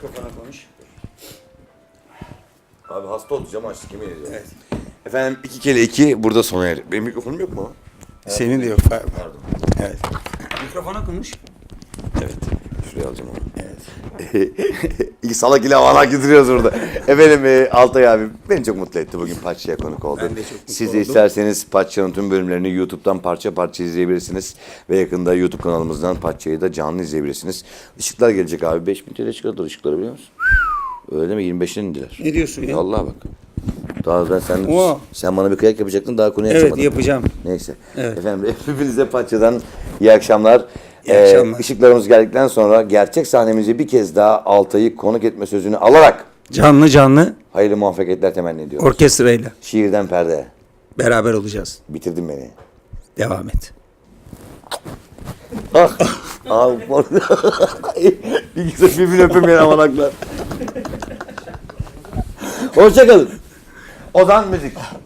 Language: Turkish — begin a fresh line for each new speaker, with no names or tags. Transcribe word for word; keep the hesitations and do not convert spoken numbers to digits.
Mikrofona konuş.
Abi hasta olacağım açtık yemin ediyorum.
Evet.
Efendim iki kere iki burada sona erir. Benim mikrofonum yok mu?
Senin de yok. Pardon. Evet. Mikrofona konuş.
Evet. Şuraya alacağım onu.
Evet.
İyi salak ile havalar gidiyoruz burada. Efendim e, Altay abi beni çok mutlu etti bugün Paçça'ya konuk oldu.
Ben de çok mutlu
Siz de
oldum.
isterseniz Paçça'nın tüm bölümlerini YouTube'dan parça parça izleyebilirsiniz. Ve yakında YouTube kanalımızdan Paçça'yı da canlı izleyebilirsiniz. Işıklar gelecek abi. beş bin T L çıkardılar ışıkları biliyor musun? Öyle değil mi? yirmi beşine indiler.
Ne diyorsun ya?
Vallahi bak. Daha ben sen
Oo.
sen bana bir kıyak yapacaktın daha konuyu
Evet
açamadım.
yapacağım.
Neyse.
Evet.
Efendim hepinize Paçça'dan iyi akşamlar.
İyi akşamlar.
Işıklarımız geldikten sonra gerçek sahnemizi bir kez daha Altay'ı konuk etme sözünü alarak
Canlı canlı
hayırlı muvaffakiyetler temenni ediyorum.
orkestrayla
Şiirden perde.
beraber olacağız.
Bitirdin beni.
Devam et.
Ah. Ah. Bilgisayar birbirini öpemeyen amanaklar. Hoşçakalın. Ozan müzik.